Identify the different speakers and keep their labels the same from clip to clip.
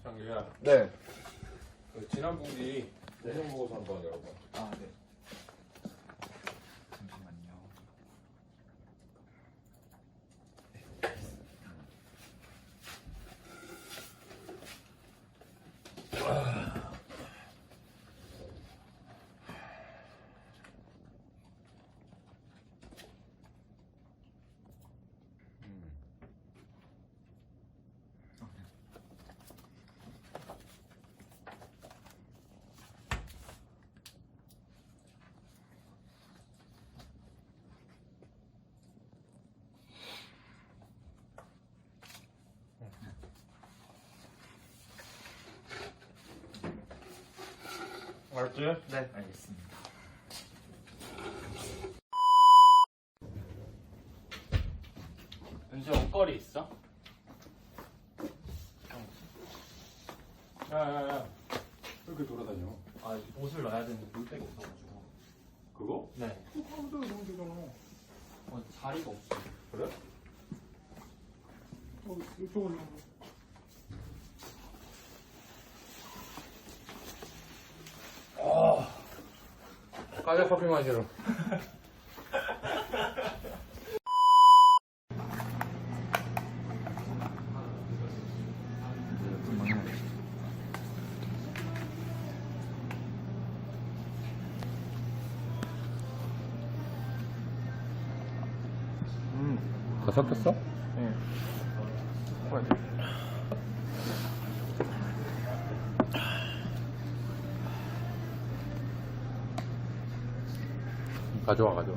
Speaker 1: 장규야.
Speaker 2: 네.
Speaker 1: 그 지난 분기 내년 보고서 한번 열어봐.
Speaker 2: 아, 네. 잠시만요.
Speaker 1: 알았지?
Speaker 2: 네, 알겠습니다.
Speaker 3: 은수 옷걸이 있어?
Speaker 1: 야야야. 왜 이렇게 돌아다녀?
Speaker 3: 아 옷을 넣어야 되는데 물백이 없어가지고.
Speaker 1: 그거?
Speaker 3: 네.
Speaker 1: 그거 하면 돼, 너무 되잖아.
Speaker 3: 자리가 없어.
Speaker 1: 그래? 이쪽으로. 까자 커피 마시러. 다 섞였어?
Speaker 2: 네.
Speaker 1: 가져와 가져와.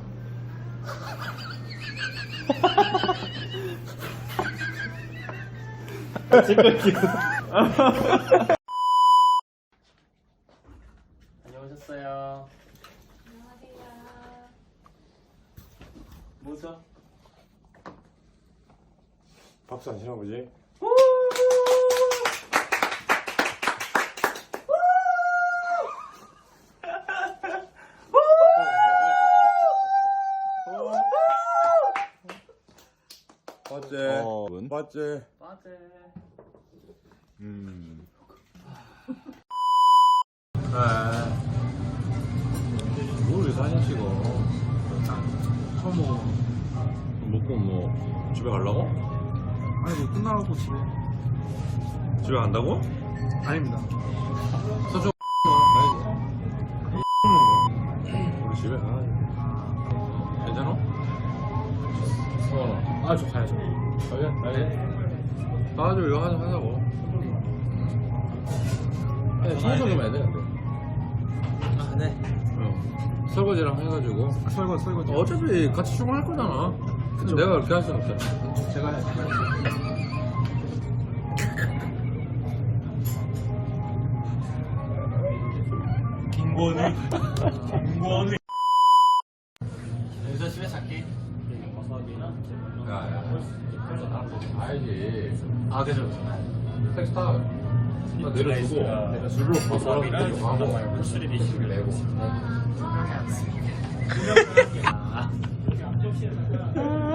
Speaker 3: 안녕하셨어요.
Speaker 4: 안녕하세요.
Speaker 3: 뭐죠?
Speaker 1: 박수 안 치나 보지? 맞지? 맞지?
Speaker 3: 빠제.
Speaker 1: 뭘 사진 찍어?
Speaker 2: 처음 먹어.
Speaker 1: 먹고 뭐 집에 가려고?
Speaker 2: 아니, 뭐 끝나고 집에.
Speaker 1: 집에 간다고?
Speaker 2: 아닙니다.
Speaker 1: 서줘. 우리 집에 가야지. 괜찮아? 서원아.
Speaker 2: 아, 저 가야죠.
Speaker 1: 가야죠. 이거 하자고. 청소 좀 해야 돼. 근데.
Speaker 2: 아, 네.
Speaker 1: 설거지랑 해가지고.
Speaker 2: 설거지.
Speaker 1: 어차피 같이 출근할 거잖아.
Speaker 2: 그쵸.
Speaker 1: 내가 그렇게 할 수는 없잖아.
Speaker 2: 제가 해야죠.
Speaker 3: 김건희. 은수 집에 살게.
Speaker 1: 야야. 알지.
Speaker 3: 아 그죠.
Speaker 1: 택시 타. 나 내려주고. 내가 줄로
Speaker 3: 버섯이랑
Speaker 1: 가고.
Speaker 3: 말고 술이 드시고
Speaker 1: 내고.
Speaker 3: 분명히 안 쓰게.